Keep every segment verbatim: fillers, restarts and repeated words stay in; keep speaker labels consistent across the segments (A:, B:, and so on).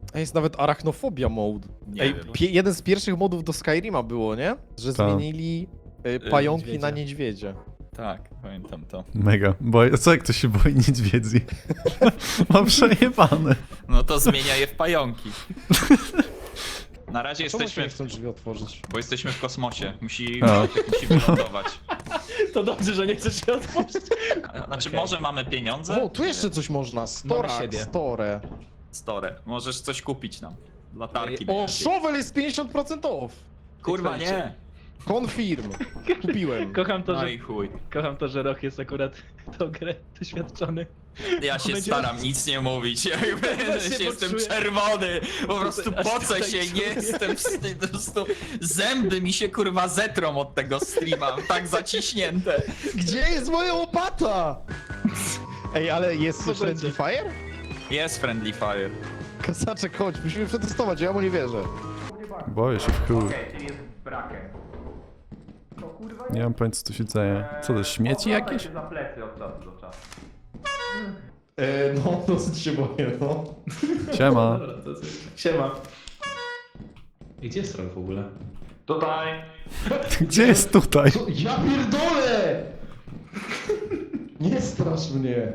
A: A jest nawet arachnofobia mode.
B: Nie
A: Ej,
B: wiem.
A: pie- jeden z pierwszych modów do Skyrima było, nie? Że
C: Tak.
A: zmienili y, pająki
B: niedźwiedzie.
A: na niedźwiedzie.
B: Tak, pamiętam to.
C: Mega. Bo co jak ktoś się boi niedźwiedzi? Ma przejebane.
B: No to zmienia je w pająki. Na razie
A: Czemu się
B: jesteśmy,
A: nie chcą drzwi otworzyć?
B: bo jesteśmy w kosmosie. Musi,
C: A.
B: musi wylądować.
D: To dobrze, że nie chcesz się otworzyć.
B: Znaczy,
D: Okej.
B: może mamy pieniądze?
A: O, tu jeszcze coś można. Stora,
D: siebie.
A: store.
B: Store. Możesz coś kupić nam. Latarki.
A: O,
B: najlepiej.
A: shovel jest pięćdziesiąt procent off.
B: Kurwa, nie!
A: Confirm. Kupiłem.
D: Kocham to,
B: No
D: że,
B: i chuj.
D: kocham to, że Roch jest akurat tą grę doświadczony.
B: Ja się
D: Będzie-
B: staram nic nie mówić. Ja
D: Właśnie
B: się jestem
D: poczułem.
B: czerwony. Po prostu
D: Aż
B: pocę
D: tutaj
B: się, nie
D: czuję.
B: jestem wstyd. Po prostu zęby mi się kurwa zetrą od tego streama. Tak zaciśnięte.
A: Gdzie jest moja łopata? Ej, ale jest
D: Co
A: Friendly
D: będzie?
A: Fire?
B: Jest Friendly Fire.
A: Kasaczek, chodź, musimy przetestować, ja mu nie wierzę.
C: Boję się w chuj.
E: czyli jest brakiem. No kurwa
C: Nie mam pojęcia co tu się dzieje. Co to, śmieci
E: Oglądaj
C: jakieś?
E: się za plecy od czasu do czasu.
A: E, no, dosyć się boję, no.
C: Siema.
D: Dobra, to co? Siema. Gdzie jest Roch w ogóle?
E: Tutaj.
C: Gdzie jest tutaj?
A: Co? Ja pierdolę! Nie strasz mnie.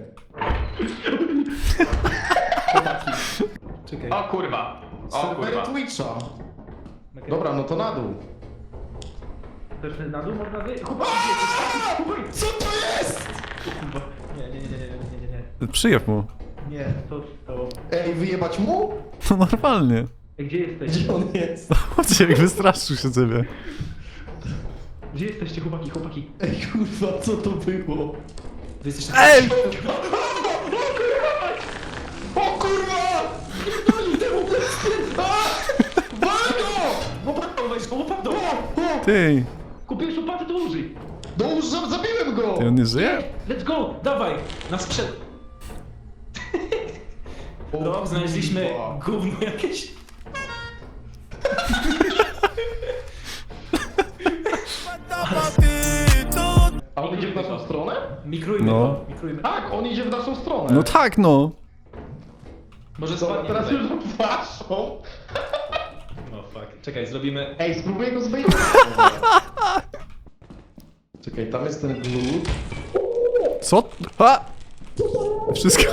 D: Czekaj.
E: O kurwa. O
A: Serwery
E: kurwa.
A: Twitcha. Dobra, no to na dół.
E: Też na dół można wyjść? Chłopaki, gdzie jesteś?
A: Co to jest?
D: Nie, nie, nie, nie, nie, nie, nie.
C: Przyjeb mu.
E: Nie, to to.
A: Ej, wyjebać mu?
C: No normalnie.
E: Gdzie jesteś?
A: Gdzie on jest?
C: Chodźcie, jak wystraszył się ciebie.
E: Gdzie jesteście chłopaki, chłopaki?
A: Ej, kurwa, co to było?
D: Wy jesteście...
C: Ej!
A: O kurwa! Walgo!
E: Łopatą weź, łopatą!
C: Ty!
E: Kupiłeś łopatę, to użyj!
A: No już za- zabiłem go!
C: Ty on nie żyje?
E: Let's go, dawaj!
D: Na sprzęt...
A: O,
D: No, znaleźliśmy
A: kurwa.
D: gówno jakieś.
A: A on idzie w naszą stronę?
D: Mikrujmy
C: No.
D: to, mikrujmy.
A: Tak, on idzie w naszą stronę.
C: No tak no!
D: Może
A: Co,
D: spadnie
A: teraz
D: tutaj.
A: już waszą.
D: No fuck. Czekaj, zrobimy...
A: Ej, spróbuję go zbejtować. Czekaj, tam jest ten glut.
C: Co? A! Wszystko...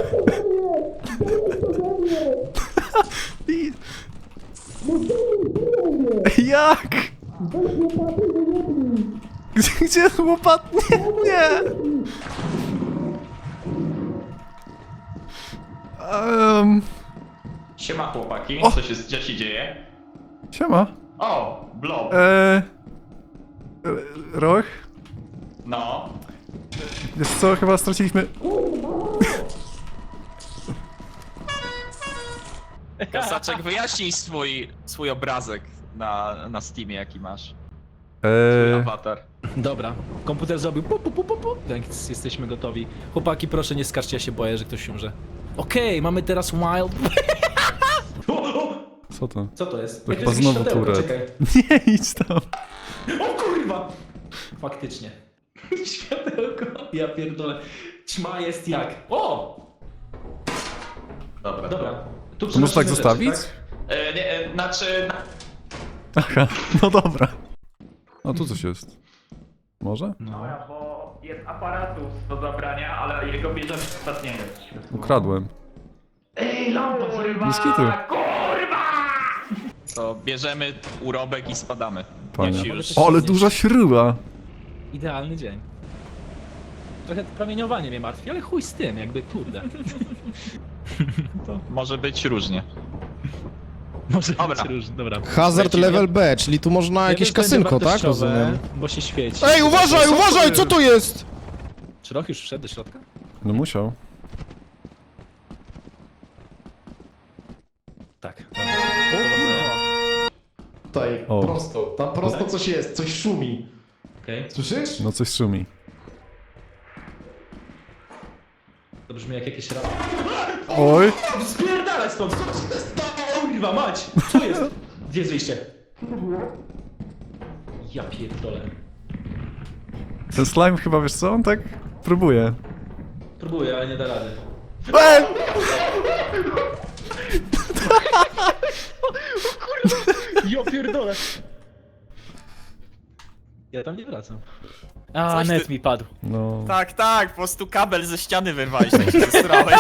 C: I- Jak? Gdzie, gdzie jest łopat? Nie, nie! Um,
E: Siema chłopaki,
C: O!
E: co się, co się dzieje?
C: siema.
E: O, blob.
C: Eee... Roch?
E: No.
C: Wiesz co, chyba straciliśmy...
B: Kasaczek, wyjaśnij swój, swój obrazek na, na Steamie, jaki masz.
C: Eee...
B: Awatar.
D: Dobra, komputer zrobił pu, pu, pu, pu, pu. Więc jesteśmy gotowi. Chłopaki, proszę nie skarżcie, ja się boję, że ktoś umrze. Okej, mamy teraz wild...
C: Co to?
D: Co to jest?
C: To
D: Ej,
C: chyba
D: jest
C: znowu
D: jakieś światełko,
C: turet.
D: czekaj.
C: Nie idź tam.
D: O kurwa! Faktycznie. Światełko. Ja pierdolę. Ćma jest jak... O!
E: Dobra.
D: Dobra. Tu
C: To można tak
D: przenosimy
C: zostawić?
D: rzeczy,
E: E, nie, e, znaczy... Na...
C: Aha, no dobra. A tu coś jest. Może?
D: tak? No.
E: Dobra, bo jest aparatus do zabrania, ale jego bierzemy ostatniego.
C: Ukradłem.
E: Ej, lampa, kurwa!
C: Bez kitu.
E: Kurwa!
B: To bierzemy urobek i spadamy.
C: Panie.
B: Jak się już...
C: O, ale duża śruba.
D: Idealny dzień. Trochę promieniowanie mnie martwi, ale chuj z tym, jakby kurde.
B: To może być różnie.
D: Może
B: Dobra.
D: być różnie, dobra.
A: Hazard
B: Lecimy.
A: level B, czyli tu można jakieś
D: Jeden będzie
A: kasynko, tak?
D: wartościowe,
A: Rozumiem.
D: Bo się świeci.
A: Ej, uważaj, uważaj, co to jest?
D: Czy Roch już wszedł do środka?
C: No musiał.
D: Tak.
A: Tutaj,
C: O.
A: prosto, tam prosto coś jest, coś szumi.
D: Okej.
A: Słyszysz?
C: No coś szumi.
D: To brzmi jak jakieś rady.
C: Oj!
D: Spierdalaj stąd! Co się stało? Kurwa mać! Co jest? Gdzie jest wyjście? Ja pierdolę.
C: Ten slime chyba, wiesz co, on tak próbuje.
D: Próbuję, ale nie da rady.
C: Ej!
D: Jo pierdolę. Ja tam nie wracam. A,
B: Coś
D: net
B: ty-
D: mi padł.
C: No.
B: Tak, tak, po prostu kabel ze ściany wyrwałeś, tak się zestrałeś.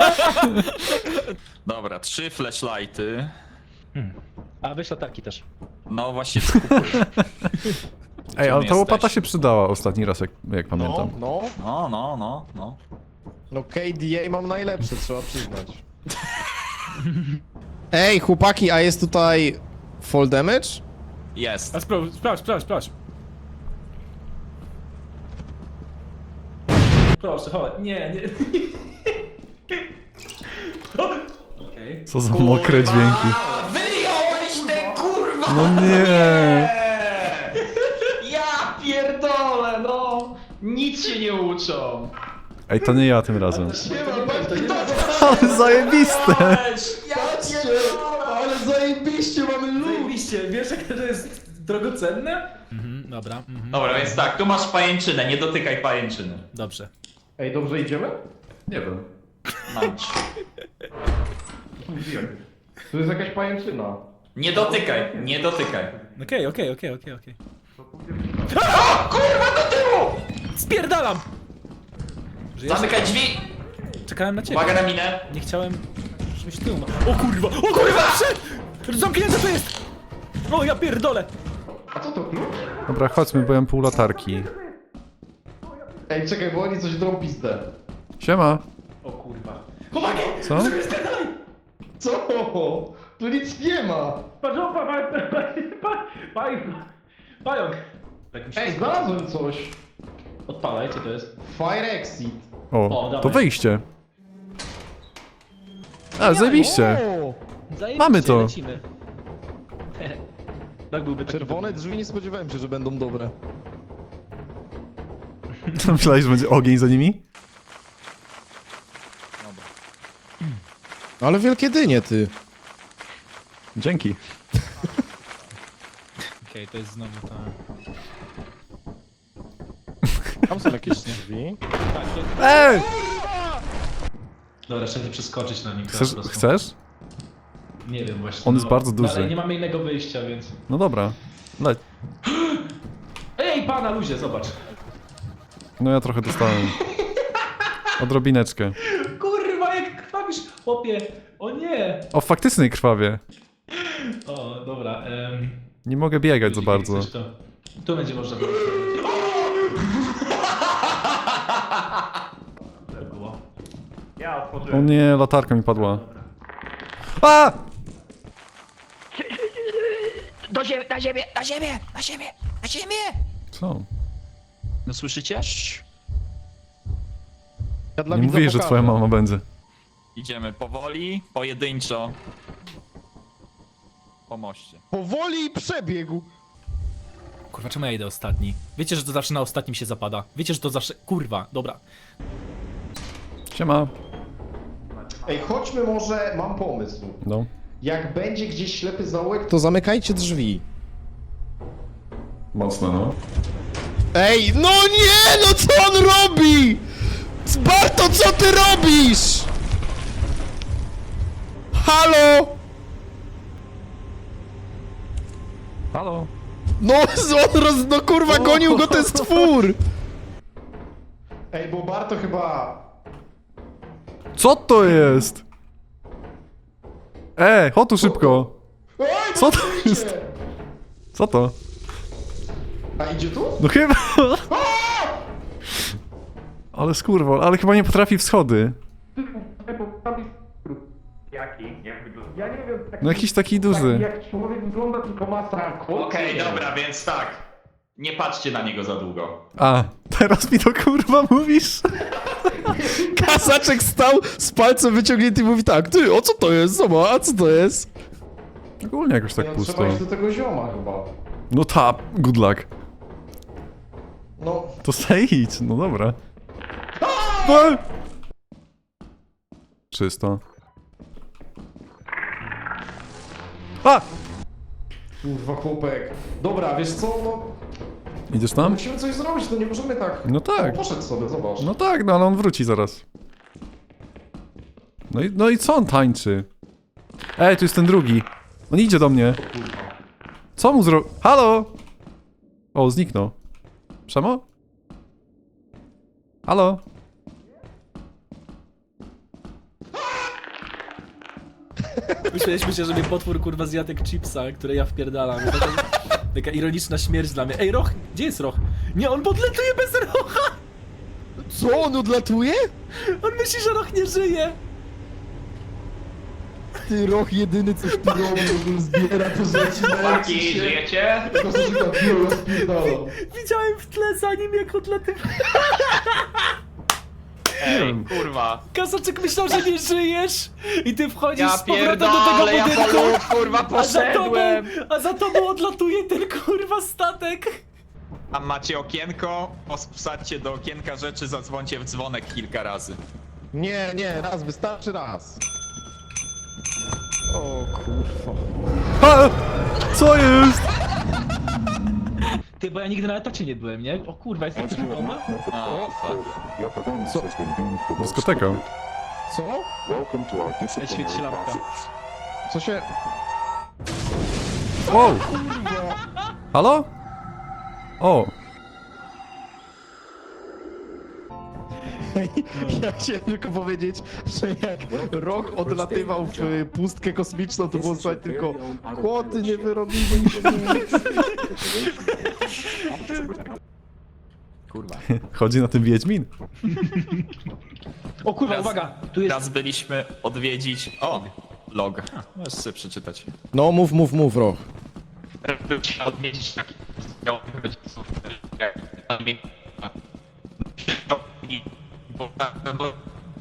B: Dobra, trzy flashlighty.
D: A weź latarki też.
B: No właśnie,
C: Ej, ale
B: my
C: ta łopata
B: jesteśmy?
C: się przydała ostatni raz, jak, jak
A: No,
C: pamiętam.
A: no.
B: no, no, no, no.
A: No K D A mam najlepsze, trzeba przyznać. Ej, chłopaki, a jest tutaj fall damage?
B: Jest.
D: A sprawdź, sprawdź, sprawdź, sprawdź. Proszę, chodź. Nie, nie. Okej.
C: Co za mokre dźwięki.
B: Wyjąłeś te kurwa!
C: No nie.
B: Ja pierdolę, no! Nic się nie uczą.
C: Ej, to nie ja tym razem.
A: Nie ma, to nie ma.
C: Ale zajebiste!
B: Ja pierdolę!
A: Ale zajebiście, mamy lód!
D: Zajebiście, wiesz jak to jest drogocenne? Mhm, dobra, mhm.
B: Dobra, więc tak, tu masz pajęczynę, nie dotykaj pajęczyny.
D: Dobrze.
A: Ej, dobrze idziemy?
C: Nie wiem.
B: Mam ci.
A: Tu jest jakaś pajęczyna.
B: Nie dotykaj, nie dotykaj.
D: Okej, okej, okej, okej, okej. Kurwa, do tyłu! Spierdalam! Żyjesz?
B: Zamykaj drzwi!
D: Czekałem na ciebie.
B: Uwaga na minę.
D: Nie chciałem, żebyś ty umarł. O kurwa, o kurwa, przed! Zamknięte to jest! O, ja pierdolę!
A: A co to klucz?
C: Dobra, chodźmy, bo ja mam pół latarki.
A: Ej, czekaj, bo oni coś drą pizdę.
C: Siema.
D: O kurwa.
C: Co?
A: Co? Tu nic nie ma!
D: Patrz, o, pa, pa, pa, pa, pa, pająk. Tak mi się
A: Ej, znalazłem coś!
D: Odpalaj, co to jest?
A: Fire exit.
C: O,
D: O, dawaj.
C: to wyjście. A, zajebiście.
A: O!
D: Zajebiście,
C: Mamy to.
D: lecimy. Tak byłby taki
A: Czerwone drzwi, nie spodziewałem się, że będą dobre.
C: Myślałeś, że będzie ogień za nimi?
A: Ale wielkie dynie, ty.
C: Dzięki.
D: Okej, to jest znowu ta...
A: Tam są jakieś drzwi.
D: Tak, to...
C: Ej!
D: Dobra, trzeba przeskoczyć na nim.
C: Chcesz?
D: po prostu.
C: Chcesz?
D: Nie wiem właśnie.
C: On jest bardzo
D: no,
C: duży.
D: Ale nie mamy innego wyjścia, więc...
C: No dobra. Leć.
D: Ej, pana luzie, zobacz.
C: No ja trochę dostałem. Odrobineczkę.
D: Kurwa, jak krwawisz, chłopie. O nie.
C: O, faktycznie krwawie.
D: O, dobra. Um,
C: Nie mogę biegać za bardzo.
D: To, tu będzie można było. Tak było.
C: O nie, latarka mi padła. A!
F: Do ziemi, na ziemię, na ziemię, na ziemię, na ziemię!
C: Co?
B: No słyszycie?
A: Ja dla
C: Nie
A: widza
C: mówię, że
A: pokażę.
C: twoja mama będzie.
B: Idziemy powoli, pojedynczo. Po moście.
A: Powoli przebiegł.
D: Kurwa, czemu ja idę ostatni? Wiecie, że to zawsze na ostatnim się zapada. Wiecie, że to zawsze... Kurwa, dobra.
C: Siema.
A: Ej, chodźmy może, mam pomysł.
C: No.
A: Jak będzie gdzieś ślepy zaułek, to zamykajcie drzwi.
C: Mocno, no.
A: Ej, no nie, no co on robi? Barto, co ty robisz? Halo?
C: Halo?
A: No, on roz... no kurwa, gonił go ten stwór! Ej, bo Barto chyba...
C: Co to jest? E, chodź tu szybko.
A: Oj,
C: Co to
A: idzie!
C: jest? Co to?
A: A idzie tu?
C: No chyba... Ale skurwol, ale chyba nie potrafi w schody.
E: Jaki? Jak wygląda? Ja nie wiem, taki,
C: No jakiś taki duży.
E: jak człowiek wygląda, tylko ma stranko.
B: Okej, dobra, więc tak. Nie patrzcie na niego za długo.
C: A, teraz mi to kurwa mówisz?
A: Kasaczek stał z palcem wyciągniętym i mówi tak, ty, o co to jest? Zobacz, a co to jest?
C: Ogólnie jakoś tak
A: no,
C: pusto.
A: trzeba iść do tego zioma chyba.
C: No ta, good luck.
A: No,
C: To se idź, no dobra. A! Czysto. A!
A: kurwa chłopek. Dobra, wiesz co, no...
C: Idziesz tam?
A: Musimy coś zrobić, no nie możemy tak...
C: No tak.
A: O, poszedł sobie, zobacz.
C: No tak, no ale on wróci zaraz. No i, no i co on tańczy? Ej, tu jest ten drugi. On idzie do mnie. Co mu zro... Halo? O, zniknął. Przemo? Halo?
D: Myśleliśmy się, że mnie potwór kurwa zjadł jak chipsa, które ja wpierdalam. Taka, taka ironiczna śmierć dla mnie. Ej, Roch! Gdzie jest Roch? Nie, on podletuje bez Rocha!
A: Co, on odlatuje?
D: On myśli, że Roch nie żyje!
A: Ty, Roch jedyny coś tu robi, zbiera to rzeczy.
E: Chłopaki, żyjecie?
A: To co się tam biuro spierdolą.
D: Widziałem w tle za nim, jak odlatywał.
B: Ej, kurwa.
D: Kasaczek myślał, że nie żyjesz! I ty wchodzisz
B: Ja
D: z powrotem do tego
B: pierdolę, ja
D: budynku!
B: po kurwa
D: A za tobą,
B: poszedłem.
D: a za tobą odlatuje ten kurwa statek!
B: Tam macie okienko, wsadźcie do okienka rzeczy, zadzwońcie w dzwonek kilka razy.
A: Nie, nie, raz, wystarczy raz. O kurwa.
C: A! Co jest?
D: Ty, bo ja nigdy na etacie nie byłem, nie? O kurwa, jestem przypomna?
B: O, fuck.
C: Dyskoteka.
A: Co?
D: Ej, świeci się lampka.
A: Co się...
C: Wow! Halo? O!
A: Ja chciałem tylko powiedzieć, że jak Rok odlatywał w y, pustkę kosmiczną, to było słuchaj tylko chłoty nie wyrobili.
B: Kurwa.
C: Chodzi na tym Wiedźmin?
D: O kurwa,
B: Raz-
D: uwaga! Tu jest...
B: Raz byliśmy odwiedzić... O! Log. Ha, możesz sobie przeczytać.
A: No mów, mów, mów, Rok.
E: Byliśmy odwiedzić taki... Bo tam, bo...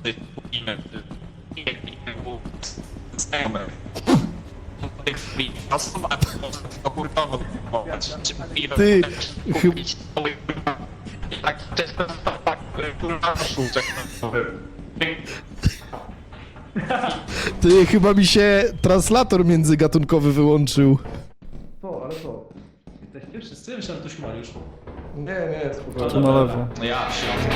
A: Ty, chyb...
E: Tak, często tak, kurwa,
A: Ty, chyba mi się translator międzygatunkowy wyłączył.
E: Co, ale co?
D: Jesteście wszyscy? Myślałem, że to Mariusz.
A: Nie, nie, spokojnie.
C: Tu na lewo.
B: No ja, środku.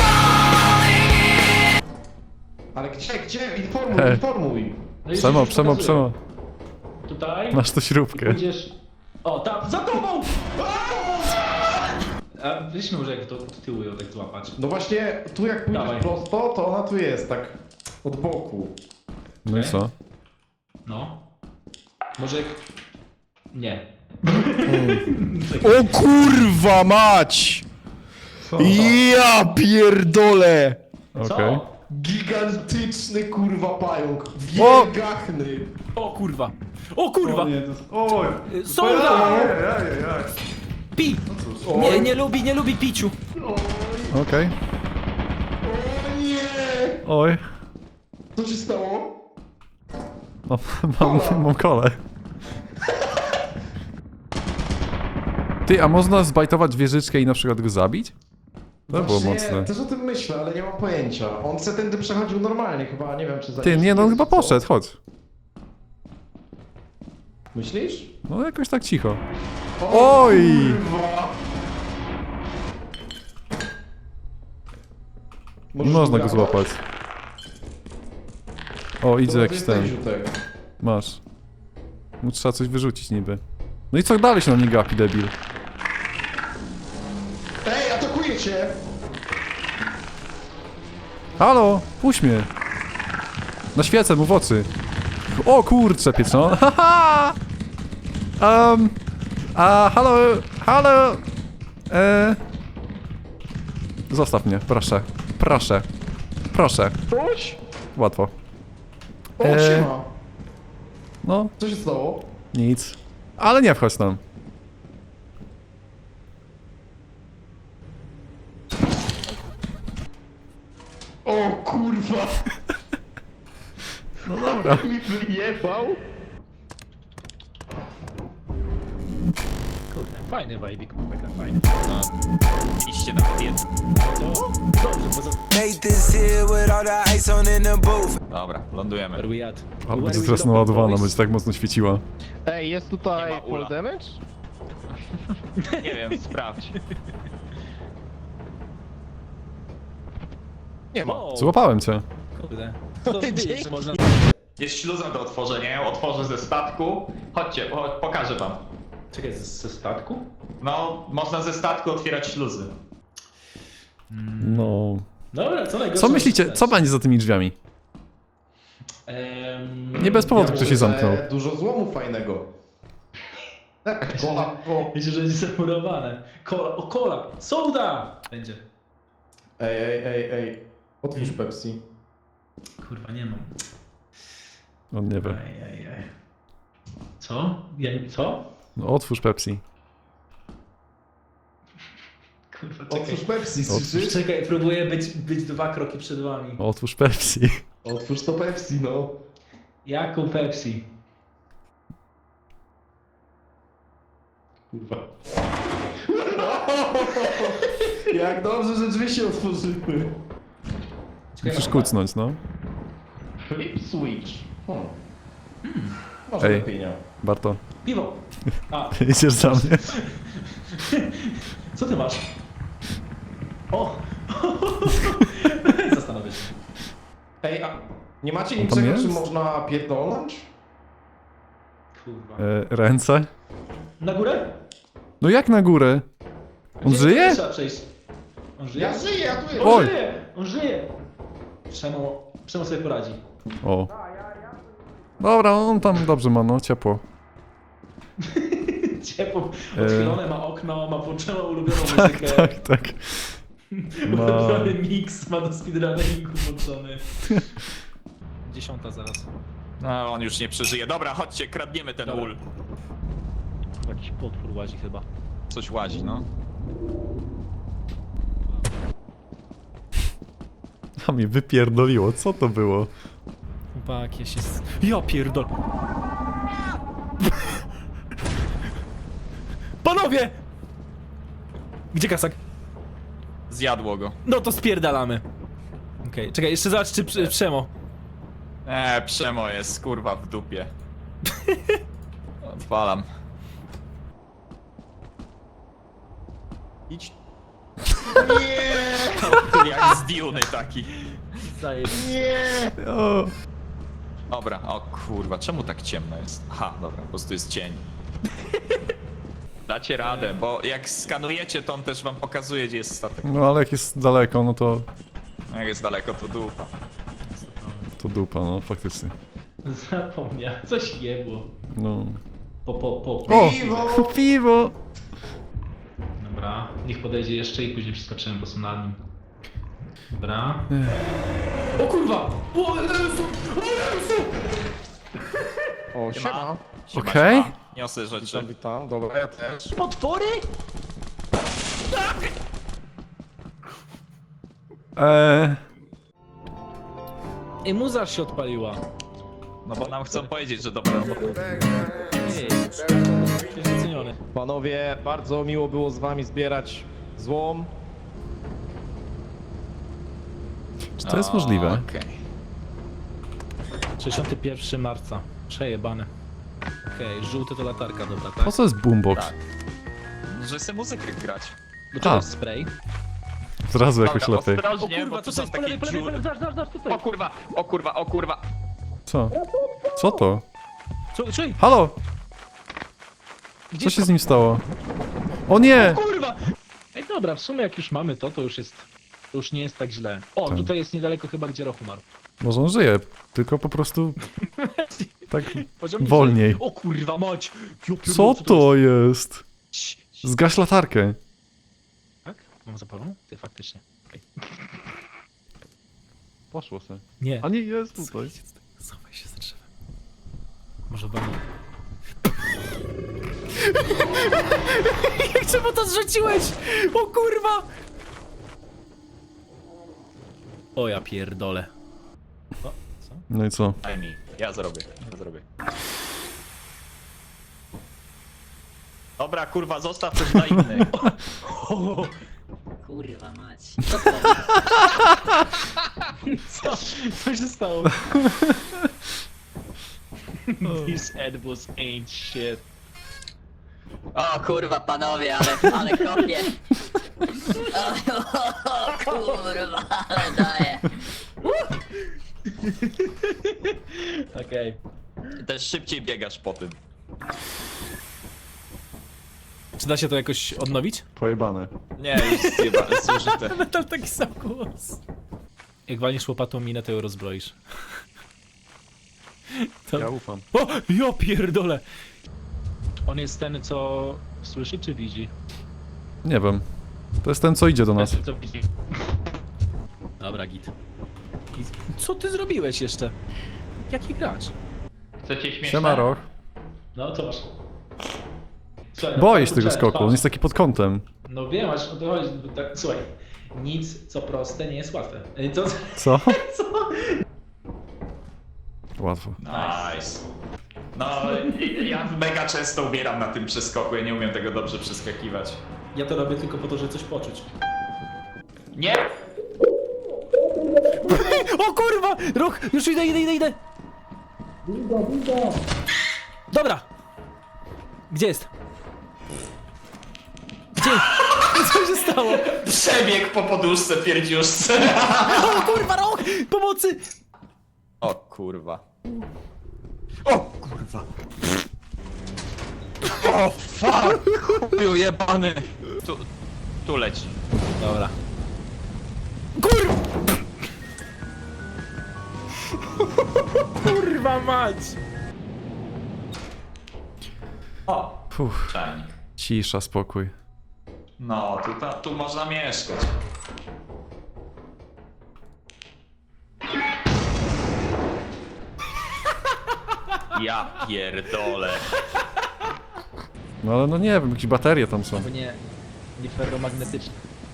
A: Ale gdzie, gdzie? Informuj,
C: He.
A: informuj.
D: No i
C: Przemo,
D: już
C: przemo,
D: pokazuję.
C: przemo.
D: Tutaj.
C: Masz to śrubkę.
D: Pójdziesz... O, tam, za tobą! A weźmy może jak to od tyłu ją tak złapać.
A: No właśnie, tu jak pójdziesz
D: Dawaj.
A: prosto, to ona tu jest, tak od boku.
C: No i co?
D: No. Może jak... Nie.
A: O kurwa mać! Ja pierdolę!
C: Okej.
D: Co?
A: Gigantyczny kurwa pająk.
C: O!
A: Wielgachny.
D: O kurwa! O kurwa!
C: nie, to jest... Oj!
D: Y, Solda!
C: Ojej,
D: Pi! Nie, nie lubi, nie lubi piciu.
C: Okej.
A: O nie!
C: Oj.
A: Co się stało?
C: Mam, mam, mam kole. Ty, a można zbajtować wieżyczkę i na przykład go zabić? To było
A: Właśnie,
C: mocne.
A: też o tym myślę, ale nie mam pojęcia. On se tędy przechodził normalnie chyba, nie wiem czy za
C: Ty, nie, no on chyba poszedł, chodź.
A: Myślisz?
C: No jakoś tak cicho.
A: O,
C: Oj!
A: Kurwa.
C: Nie można go złapać. O, idzie jakiś ten. Masz. Mu trzeba coś wyrzucić niby. No i co dalej się na mnie gapi, debil?
A: Ej, atakuje cię!
C: Halo, puść mnie. Na świecę mu w oczy. O kurczę, pieczone. Haha! Um, a, halo, halo. E... Zostaw mnie, proszę. Proszę. Proszę.
A: Coś?
C: Łatwo.
A: O,
C: Eee.
A: siema.
C: No,
A: Co się stało?
C: nic. Ale nie wchodź tam.
A: O kurwa!
C: No dobra.
A: Mi wyjebał?
D: Kurde, fajny wajbik, mega fajny.
B: Iście na kobietę.
D: To? Dobrze, bo za...
G: Made this here with all the ice on in the booth.
B: Dobra, lądujemy.
D: Where we at?
C: Ale
D: Where
C: będzie
D: we
C: teraz
D: dropping,
C: naładowana,
D: boys?
C: będzie tak mocno świeciła.
A: Ej, jest
B: Nie
A: tutaj
B: ma ula.
A: full damage?
B: Nie wiem, sprawdź.
A: Nie ma.
D: O,
C: Złapałem cię.
D: kurde. To wiedzieć, że można...
B: Jest śluza do otworzenia, ja ją otworzę ze statku. Chodźcie, po, pokażę wam.
E: Czekaj, ze, ze statku?
B: No, można ze statku otwierać śluzy.
C: No...
E: Dobra, co najgorsze?
C: Co myślicie, co będzie za tymi drzwiami?
E: Ehm,
C: Nie bez powodu
A: Ja
C: ktoś
A: myślę,
C: się zamknął.
A: że Dużo złomu fajnego. Tak, kola, o.
E: Wiecie, że będzie zamurowane. Kola, o kola, soda! Będzie.
A: Ej, ej, ej, ej. Otwórz Pepsi.
E: Kurwa, nie mam.
C: On nie wie.
E: Ej, ej, ej. Co? Ja nie... Co?
C: No, otwórz Pepsi.
E: Kurwa, czekaj.
A: Otwórz Pepsi,
C: Otwórz.
A: słyszysz?
E: Czekaj, próbuję być, być dwa kroki przed wami.
C: Otwórz Pepsi.
A: Otwórz to Pepsi, no.
E: Jaką Pepsi?
A: Kurwa. Jak dobrze, że drzwi się otworzyły.
C: Musisz kucnąć, no.
A: Flip switch. Hmm. Może
C: Ej.
A: lepiej nie.
C: Barto,
E: Piwo! A,
C: idziesz za mnie.
E: co ty masz? O! Zastanowię się.
A: Ej, a nie macie
C: On tam
A: niczego,
C: jest?
A: czym można pierdolnąć?
E: Kurwa.
C: E, ręce?
E: Na górę?
C: No jak na górę? On
E: Gdzie
C: żyje?
E: Trzeba przejść. On żyje?
A: Ja żyję, ja tu
E: On
A: jestem.
C: Oj.
E: żyje! On żyje! Przemo, Przemo sobie poradzi.
C: O. Dobra, on tam dobrze ma, no, ciepło.
E: Ciepło,
C: E.
E: otwierane, ma okno, ma włączoną ulubioną muzykę.
C: Tak, tak. Ma...
E: Ulubiony mix, ma do speedrunningu włączony. Dziesiąta zaraz.
B: No, on już nie przeżyje. Dobra, chodźcie, kradniemy ten
E: Dobra.
B: ul.
E: Jakiś potwór łazi chyba.
B: Coś łazi, no.
C: A mnie wypierdoliło, co to było?
D: Chłopak, ja się... s- Ja pierdol... Panowie! Gdzie kasak?
B: Zjadło go.
D: No to spierdalamy. Okej, czekaj, jeszcze zobacz czy Prze- Przemo.
B: Eee, Przemo jest, kurwa, w dupie. Odpalam. Idź. Nie! Jak z Duny taki.
C: O.
B: Dobra, o kurwa, czemu tak ciemno jest? Aha, dobra, po prostu jest cień. Dacie radę, bo jak skanujecie, to on też wam pokazuje, gdzie jest statek.
C: No ale jak jest daleko, no to...
B: Jak jest daleko, to dupa.
C: To dupa, no, faktycznie.
E: Zapomniał, coś jebło.
C: No...
E: Po, po, po.
C: O!
A: Piwo!
C: Piwo!
E: Dobra, niech podejdzie jeszcze i później przeskoczymy po prostu na nim. Dobra. O kurwa! O Jezu! O Jezu!
A: O, siema.
B: Siema,
C: Okej.
B: siema. Niosę rzeczy.
A: Witam, witam. Dobra, ja też.
F: Potwory?
C: Eee...
D: Ej, muza się odpaliła.
B: No bo nam chcą powiedzieć, że dobra robota.
D: Ej, jest doceniony.
A: Panowie, bardzo miło było z wami zbierać złom.
C: Czy to jest możliwe?
B: Okej.
D: sześćdziesiątego pierwszego marca. Przejebane. Okej, żółty to latarka, dobra, tak?
C: Po co jest boombox?
B: Tak. Że chcę muzykę grać.
D: Do czego
C: A.
D: jest spray?
C: Zrazu jakoś
B: Dobra,
C: lepiej.
B: ostrożnie, bo tu są takie dziury.
D: zaraz, zaraz, zaraz, tutaj.
B: O kurwa, o kurwa, o kurwa.
C: Co? Co to?
D: Co, czyj?
C: Halo! Co się z nim stało? O nie!
D: Kurwa! Ej, dobra, w sumie jak już mamy to, to już jest... To już nie jest tak źle. O,
C: Tak.
D: tutaj jest niedaleko chyba, gdzie Roch umarł.
C: Może on żyje, tylko po prostu... Tak
D: Poziom
C: wolniej.
D: niżej. O kurwa, mać! Jo, pierdolę,
C: Co
D: jest?
C: to jest?
D: Cii, cii.
C: Zgaś latarkę.
D: Tak? Mam zapalą? Ty, faktycznie. Okej.
C: Poszło se.
D: Nie.
C: A nie, jest tutaj.
D: Schowaj się za drzewem. Może wam... Jak czemu to zrzuciłeś? O kurwa! O ja pierdolę. O, co?
C: No i co?
B: Daj mi, ja zrobię, ja zrobię. Dobra, kurwa, zostaw coś dla innych.
F: Kurwa mać.
E: Co? Co się stało? These edibles ain't shit.
F: O kurwa panowie, ale, ale kopie. O, kurwa, ale daję.
D: Okej.
B: Też szybciej biegasz po tym.
D: Czy da się to jakoś odnowić?
A: Pojebane.
B: Nie, już chyba zużyte.
D: Metal taki sam głos. Jak walniesz łopatą minę, to ją rozbroisz. To...
A: Ja ufam.
D: O! Ja pierdolę!
E: On jest ten, co słyszy czy widzi?
C: Nie wiem. To jest ten, co idzie do nas.
E: Ten, co widzi.
D: Dobra, git. Git. Co ty zrobiłeś jeszcze? Jaki gracz?
E: Chcecie śmieszne?
C: Siema, Roch.
E: No, co masz? Słuchaj, no,
C: Boję się
E: patrz,
C: tego
E: patrz,
C: skoku, on
E: patrz.
C: jest taki pod kątem.
E: No wiem, aż o to chodzi. bo Tak, słuchaj, nic co proste nie jest łatwe. Ej, To,
C: Co?
E: co?
C: Łatwo.
B: Nice. No, ja mega często umieram na tym przeskoku, ja nie umiem tego dobrze przeskakiwać.
E: Ja to robię tylko po to, żeby coś poczuć.
B: Nie!
D: O kurwa! Roch! Już idę, idę, idę, idę! Dobra! Gdzie jest? Gdzie? Co się stało?
B: Przebieg po poduszce, pierdziuszce.
D: O kurwa, Roch! Pomocy!
B: O kurwa. O kurwa. O fuck! Chuju jebany. Tu, tu leci.
D: Dobra. Kurwa! Kurwa mać!
B: O,
C: Fuh,
B: czajnik.
C: cisza, spokój.
B: No, tu, ta, tu można mieszkać. Ja pierdolę.
C: No ale no nie wiem, jakieś baterie tam są.
D: Bo nie... nie ferromagnetyczny.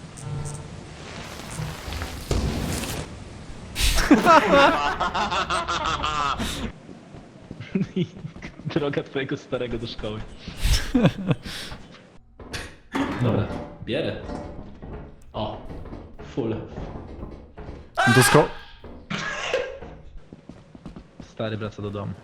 E: Droga twojego starego do szkoły. Dobra, bierę. O, full.
C: Do sko...
E: Stary wraca do domu.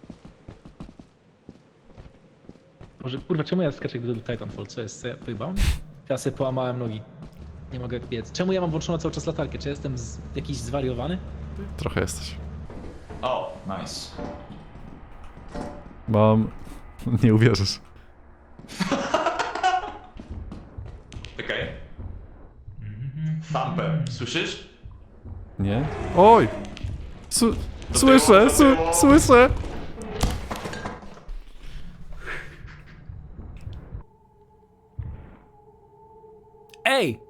E: Może, kurwa, czemu ja skaczę jak do Titanfall? Co jest? Co ja pojebałem?
D: Ja sobie połamałem nogi.
E: Nie mogę biec. Czemu ja mam włączoną cały czas latarkę? Czy ja jestem z... jakiś zwariowany?
C: Trochę jesteś.
B: O, nice.
C: Mam... Nie uwierzysz.
B: Czekaj. Thumpem, słyszysz?
C: Nie? Oj! Su
B: Do
C: słyszę,
B: tyłu, do
C: su
B: tyłu.
C: słyszę!
D: Ej!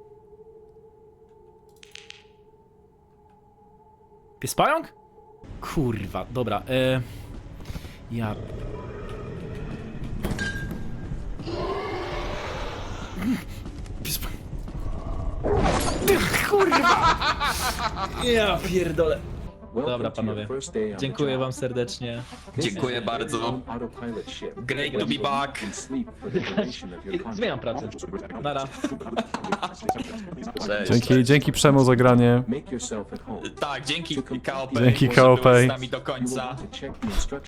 D: Pies pająk? Kurwa, dobra, e... Ja... Pies pająk... Kurwa! Ja pierdolę. Dobra, panowie. Dziękuję wam serdecznie.
B: Dziękuję bardzo. Great to be back.
E: Zmieniam pracę.
D: Nara.
B: Cześć.
C: Dzięki, dzięki Przemo za granie.
B: Tak, dzięki K O P.
C: Dzięki
B: że
C: K O P.
B: byłeś z nami do końca.